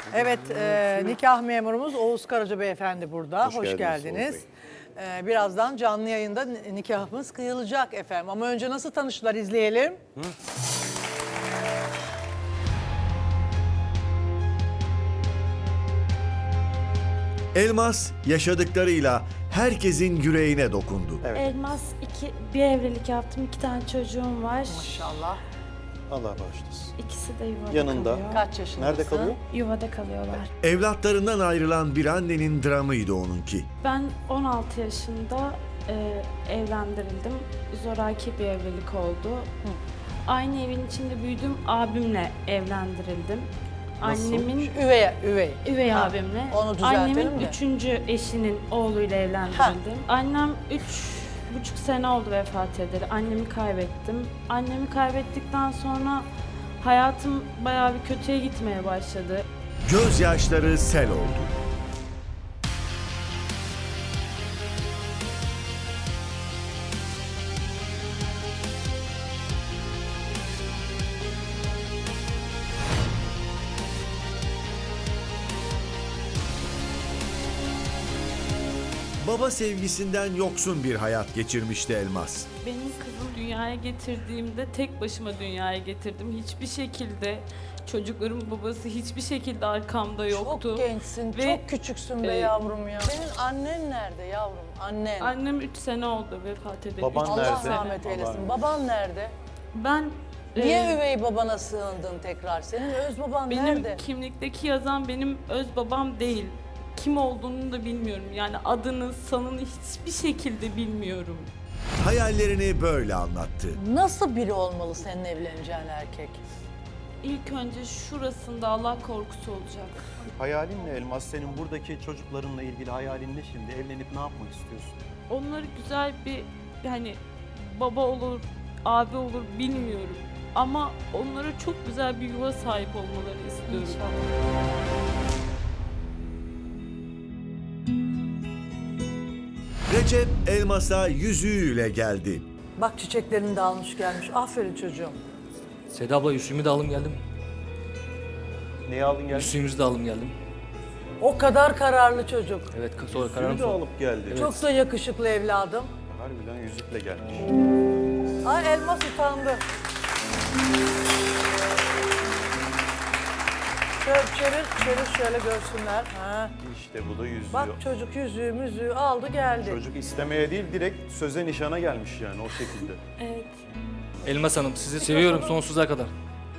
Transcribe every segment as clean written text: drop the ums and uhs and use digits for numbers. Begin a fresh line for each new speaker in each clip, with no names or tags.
Evet, nikah memurumuz Oğuz Karaca Beyefendi burada. Hoş
geldiniz
geldiniz. Birazdan canlı yayında nikahımız kıyılacak efendim. Ama önce nasıl tanıştılar izleyelim.
Elmas yaşadıklarıyla herkesin yüreğine dokundu.
Elmas bir evlilik yaptım. 2 tane çocuğum var.
Maşallah.
Allah bağışlasın.
İkisi de yuvada
Yanında.
kalıyor.
Kaç yaşındasın?
Nerede kalıyor?
Yuvada kalıyorlar.
Evlatlarından ayrılan bir annenin dramıydı onunki.
Ben 16 yaşında evlendirildim. Zoraki bir evlilik oldu. Aynı evin içinde büyüdüm. Abimle evlendirildim. Annemin
Üvey.
üvey
Ha,
abimle.
onu düzeltelim
Annemin
de.
3. eşinin oğluyla evlendirildim. Annem 3,5 sene oldu vefat edeli. Annemi kaybettim. Annemi kaybettikten sonra hayatım bayağı bir kötüye gitmeye başladı.
Gözyaşları sel oldu. Baba sevgisinden yoksun bir hayat geçirmişti Elmas.
Benim kızım dünyaya getirdiğimde tek başıma dünyaya getirdim. Hiçbir şekilde çocukların babası hiçbir şekilde arkamda yoktu.
Çok gençsin,
Ve,
çok küçüksün be yavrum ya. Senin annen nerede yavrum? Annen.
Annem 3 sene oldu vefat edeli.
Baban
Üç
Allah
nerede?
rahmet eylesin. Baban nerede?
Ben
Niye üvey babana sığındın tekrar? Senin öz baban
benim
nerede?
kimlikteki yazan benim öz babam değil. Kim olduğunu da bilmiyorum. Yani adını, sanını hiçbir şekilde bilmiyorum.
Hayallerini böyle anlattı.
Nasıl biri olmalı senin evleneceğin erkek?
İlk önce şurasında Allah korkusu olacak.
Hayalin ne Elmas? Senin buradaki çocuklarınla ilgili hayalin ne şimdi? Evlenip ne yapmak istiyorsun?
Onları güzel bir yani baba olur, abi olur bilmiyorum. Ama onlara çok güzel bir yuva sahip olmalarını istiyorum.
Recep Elmas'a yüzüğüyle geldi.
Bak çiçeklerini de almış gelmiş. Aferin çocuğum.
Seda abla yüzüğümü de alım geldim.
Neyi aldın geldin?
Yüzüğümüzü de alım geldim.
O kadar kararlı çocuk.
Evet sonra kararım
Yüzüğü de alıp geldi.
Çok da yakışıklı evladım.
Harbiden yüzükle gelmiş.
Ay Elmas utandı. Çevir şöyle görsünler. Ha.
İşte bu da yüzüğü.
Bak çocuk yüzüğü müzüğü aldı geldi.
Çocuk istemeye değil direkt söze nişana gelmiş yani o şekilde.
Evet.
Elmas Hanım sizi seviyorum sonsuza kadar.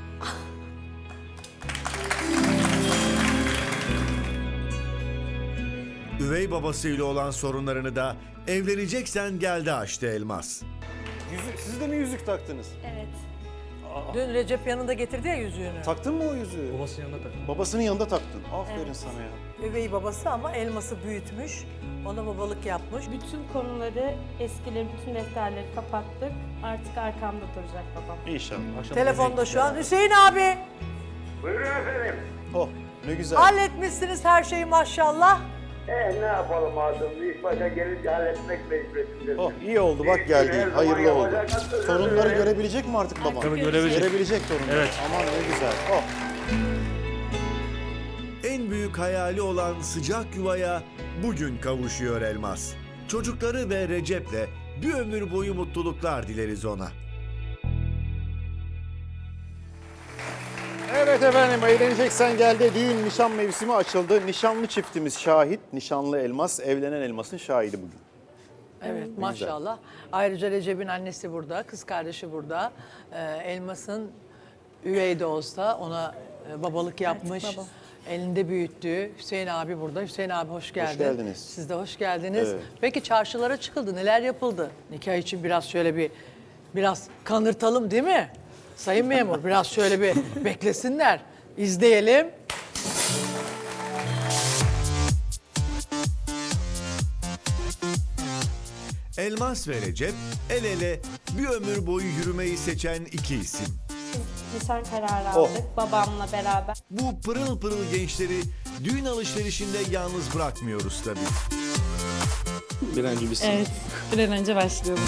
Üvey babasıyla olan sorunlarını da evleneceksen geldi açtı Elmas.
Yüzük, siz de mi yüzük taktınız?
Evet.
Dün Recep yanında getirdi ya yüzüğünü.
Taktın mı o yüzüğü?
Babasının yanında taktım.
Babasının yanında taktın. Aferin sana ya.
Üvey babası ama Elmas'ı büyütmüş. Ona babalık yapmış.
Bütün konuları, eskileri, bütün defterleri kapattık. Artık arkamda duracak babam.
İnşallah.
Akşam
Telefonda şu an. Hüseyin abi
Buyurun efendim.
Oh ne güzel.
halletmişsiniz her şeyi maşallah.
Ne yapalım Adem? İlk başa gelince halletmek mecburiyetindesin.
Oh iyi oldu bak geldi.
Her zaman
Hayırlı oldu.
yapacak.
Torunları görebilecek mi artık baban?
Tabii görebilecek.
Görebilecek torunları.
Evet.
Aman ne güzel. Oh.
En büyük hayali olan sıcak yuvaya bugün kavuşuyor Elmas. Çocukları ve Recep'le bir ömür boyu mutluluklar dileriz ona.
Evet efendim evleneceksen geldi. Düğün nişan mevsimi açıldı. Nişanlı çiftimiz şahit. Nişanlı Elmas, evlenen Elmas'ın şahidi bugün.
Evet maşallah. Ayrıca Recep'in annesi burada, kız kardeşi burada. Elmas'ın üvey de olsa ona babalık yapmış.
babam.
Elinde büyüttüğü Hüseyin abi burada. Hüseyin abi hoş geldin.
geldiniz.
Siz de hoş geldiniz.
Evet.
Peki çarşılara çıkıldı. Neler yapıldı? Nikah için biraz şöyle biraz kanırtalım değil mi? Sayın memur biraz şöyle bir beklesinler. İzleyelim.
Elmas ve Recep el ele bir ömür boyu yürümeyi seçen iki isim.
Nişan kararı
Oh.
aldık babamla beraber.
Bu pırıl pırıl gençleri düğün alışverişinde yalnız bırakmıyoruz tabii.
Bir an önce bitsin.
Evet, bir an önce başlayalım.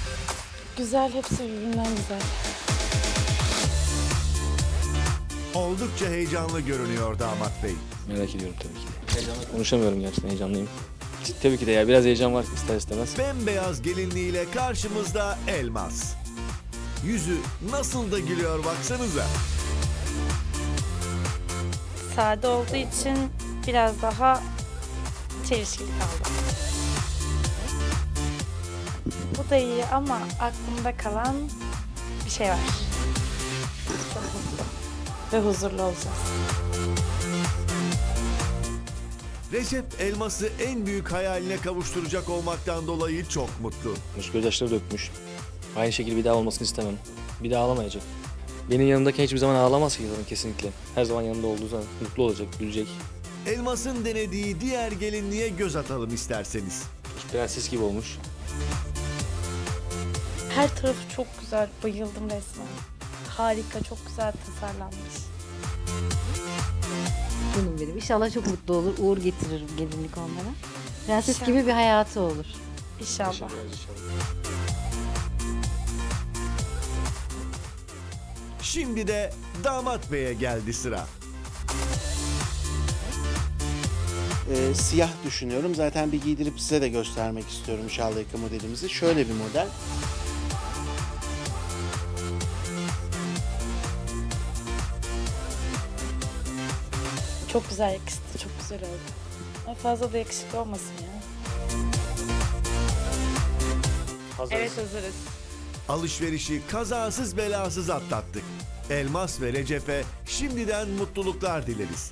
Güzel, hepsi birbirinden güzel.
oldukça heyecanlı görünüyor damat bey.
Merak ediyorum tabii ki de. Heyecanla konuşamıyorum gerçekten, heyecanlıyım. Tabii ki de ya, biraz heyecan var ister istemez.
Bembeyaz gelinliğiyle karşımızda Elmas. Yüzü nasıl da gülüyor baksanıza.
Sade olduğu için biraz daha çelişkili kaldı. Bu da iyi ama aklımda kalan bir şey var. Çok mutlu ve huzurlu olacağız.
Recep Elmas'ı en büyük hayaline kavuşturacak olmaktan dolayı çok mutlu.
Gözyaşları dökmüş. Aynı şekilde bir daha olmasını istemem. Bir daha ağlamayacak. Benim yanımdaki hiçbir zaman ağlamaz ki zaten, kesinlikle. Her zaman yanında olduğu zaman mutlu olacak, gülecek.
Elmas'ın denediği diğer gelinliğe göz atalım isterseniz.
Prenses gibi olmuş.
Her tarafı çok güzel, bayıldım resmen. Harika, çok güzel tasarlanmış.
Canım benim. İnşallah çok mutlu olur. Uğur getiririm gelinlik onlara. Prenses gibi bir hayatı olur.
İnşallah.
Şimdi de damat beye geldi sıra.
Siyah düşünüyorum. Zaten bir giydirip size de göstermek istiyorum şal yaka modelimizi. Şöyle bir model.
Çok güzel yakıştı, çok güzel oldu. Ama fazla da yakışıklı olmasın ya. Evet, hazırız.
Alışverişi kazasız belasız atlattık. Elmas ve Recep'e şimdiden mutluluklar dileriz.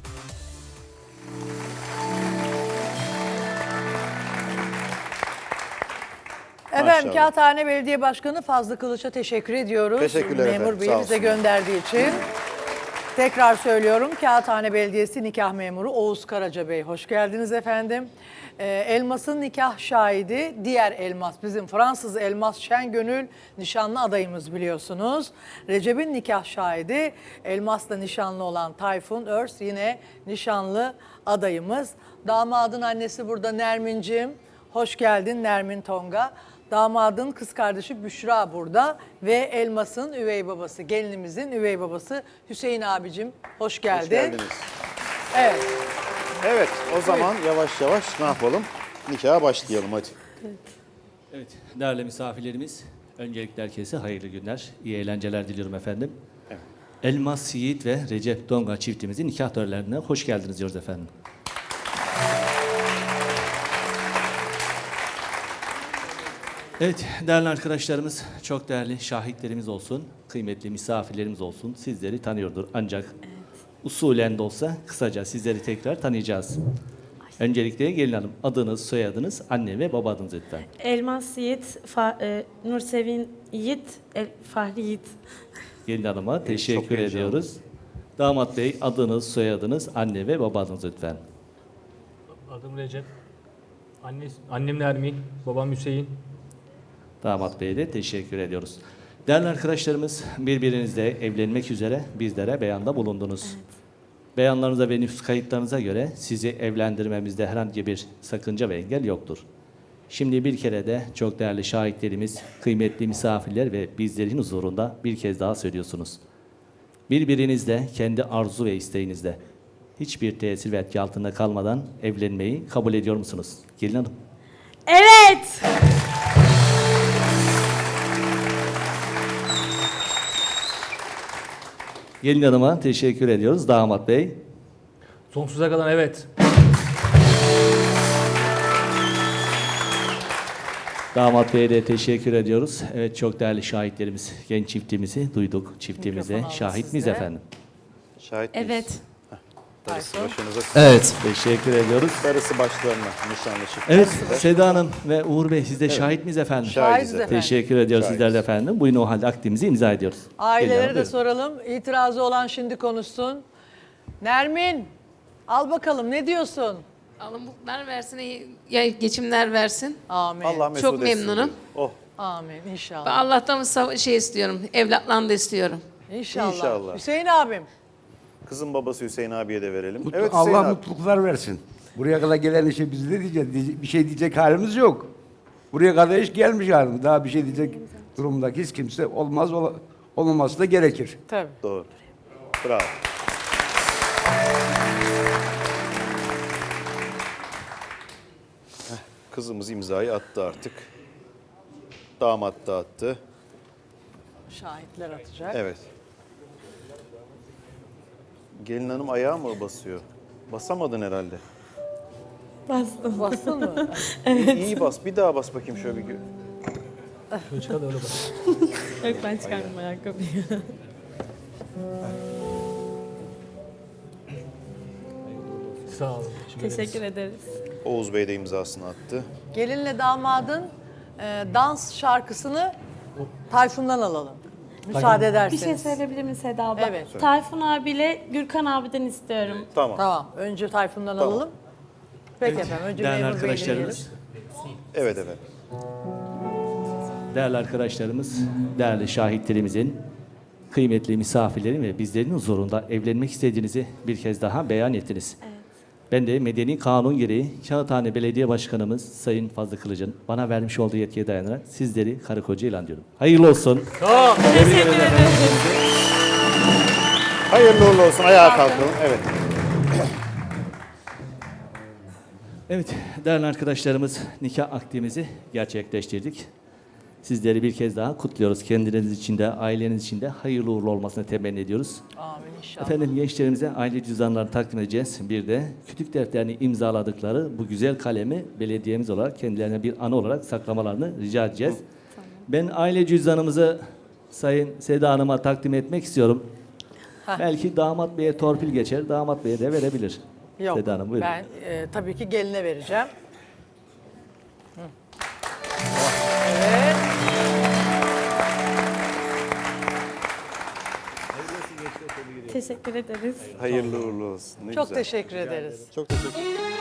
Efendim
Maşallah.
Kağıthane Belediye Başkanı Fazlı Kılıç'a teşekkür ediyoruz.
Teşekkürler
Memur
efendim,
Bey'i
sağ
bize
olsun.
gönderdiği için. Tekrar söylüyorum, Kağıthane Belediyesi nikah memuru Oğuz Karaca Bey. Hoş geldiniz efendim. Elmas'ın nikah şahidi diğer Elmas, bizim Fransız Elmas Şengönül nişanlı adayımız biliyorsunuz. Recep'in nikah şahidi Elmas'la nişanlı olan Tayfun Örs yine nişanlı adayımız. Damadın annesi burada Nermin'cim. Hoş geldin Nermin Tonga. Damadın kız kardeşi Büşra burada ve Elmas'ın üvey babası, gelinimizin üvey babası Hüseyin abicim. Hoş geldin.
Hoş geldiniz.
Evet.
Evet, o zaman yavaş yavaş ne yapalım? Nikaha başlayalım hadi.
Evet, değerli misafirlerimiz, öncelikle herkese hayırlı günler, iyi eğlenceler diliyorum efendim.
Evet.
Elmas Yiğit ve Recep Donga çiftimizin nikah törenlerine hoş geldiniz diyoruz efendim. Evet, değerli arkadaşlarımız, çok değerli şahitlerimiz olsun, kıymetli misafirlerimiz olsun, sizleri tanıyordur. Ancak usulen de olsa kısaca sizleri tekrar tanıyacağız. Öncelikle gelin hanım, adınız, soyadınız, anne ve baba adınız lütfen.
Elmas Yiğit, Nursevin Yiğit, Fahri Yiğit.
Gelin hanıma teşekkür
heyecanlı.
ediyoruz. Damat bey, adınız, soyadınız, anne ve baba adınız lütfen.
Adım Recep. Annem Nermin, babam Hüseyin.
Damat bey'e de teşekkür ediyoruz. Değerli arkadaşlarımız, birbirinizle evlenmek üzere bizlere beyanda bulundunuz. Beyanlarınıza ve nüfus kayıtlarınıza göre sizi evlendirmemizde herhangi bir sakınca ve engel yoktur. Şimdi bir kere de çok değerli şahitlerimiz, kıymetli misafirler ve bizlerin huzurunda bir kez daha söylüyorsunuz. Birbirinizle kendi arzu ve isteğinizle hiçbir tesir ve etki altında kalmadan evlenmeyi kabul ediyor musunuz? Gelin hanım.
Evet!
Gelin hanıma teşekkür ediyoruz. Damat bey.
Sonsuza kadar evet.
Damat bey'e de teşekkür ediyoruz. Evet, çok değerli şahitlerimiz, genç çiftimizi duyduk. Çiftimize
Mikrofonu alın
şahit miyiz
size.
efendim?
Şahit miyiz?
Evet.
Darısı başınıza,
Evet. Teşekkür ediyoruz.
darısı başlarına nişanlı çift.
Evet, Seda Hanım ve Uğur Bey, siz de şahit miyiz efendim?
Şahidiz
efendim.
Teşekkür ediyoruz
Şahidiz.
sizler de efendim. Buyurun o halde akdimizi imza ediyoruz. Gelin
Ailelere
hanım,
de
buyurun.
soralım. İtirazı olan şimdi konuşsun. Nermin, al bakalım ne diyorsun?
Allah mutluluklar versin, iyi ya geçimler versin.
Amin.
Allah mesut
Çok
etsin
memnunum.
diyor. Oh,
Amin inşallah.
Ben Allah'tan şey istiyorum, evlatlarını da istiyorum.
İnşallah.
İnşallah.
Hüseyin abim.
kızın babası Hüseyin abiye de verelim. Evet Hüseyin
Allah
abi.
mutluluklar versin. Buraya kadar gelen işe biz ne diyeceğiz? Bir şey diyecek halimiz yok. Buraya kadar iş gelmiş halimiz. Daha bir şey diyecek durumdaki hiç kimse olmaz, olmaması da gerekir.
Tabii.
Doğru. Bravo. Kızımız imzayı attı artık. Damat da attı.
Şahitler atacak.
Evet. Gelin hanım ayağa mı basıyor? Basamadın herhalde.
Bastım.
Bastın mı?
İyi bas. Bir daha bas bakayım şöyle bir.
Yok ben çıkardım ayakkabıyı.
Sağ olun.
Teşekkür ederiz.
Oğuz Bey de imzasını attı.
Gelinle damadın dans şarkısını Tayfun'dan alalım. Müsaade
Bir
ederseniz.
şey söyleyebilir miyim Seda abla?
Evet.
Tayfun abiyle Gürkan abiden istiyorum.
Tamam.
Tamam. Önce Tayfun'dan
Tamam.
alalım. Peki efendim. Önce
Değerli
memur bey dinleyelim.
arkadaşlarımız,
Evet efendim.
değerli arkadaşlarımız, değerli şahitlerimizin, kıymetli misafirlerin ve bizlerin huzurunda evlenmek istediğinizi bir kez daha beyan ettiniz. Ben de medeni kanun gereği Kağıthane Belediye Başkanımız Sayın Fazlı Kılıç'ın bana vermiş olduğu yetkiye dayanarak sizleri karı koca ilan ediyorum. Hayırlı olsun. Tebrik ederim efendim.
Hayırlı uğurlu olsun. Ayağa kalkalım. Evet.
Evet, değerli arkadaşlarımız, nikah akdimizi gerçekleştirdik. Sizleri bir kez daha kutluyoruz. Kendiniz için de, aileniz için de hayırlı uğurlu olmasını temenni ediyoruz.
Amin inşallah.
Efendim gençlerimize aile cüzdanlarını takdim edeceğiz. Bir de kütük defterini imzaladıkları bu güzel kalemi belediyemiz olarak kendilerine bir anı olarak saklamalarını rica edeceğiz. Ben aile cüzdanımızı Sayın Seda Hanım'a takdim etmek istiyorum. Belki damat beye torpil geçer, damat beye de verebilir.
Yok.
Seda Hanım buyurun.
Ben tabii ki geline vereceğim. Hı. Evet.
Teşekkür ederiz.
Hayırlı uğurlu olsun. Ne
Çok
güzel.
teşekkür ederiz.
Çok teşekkür ederim.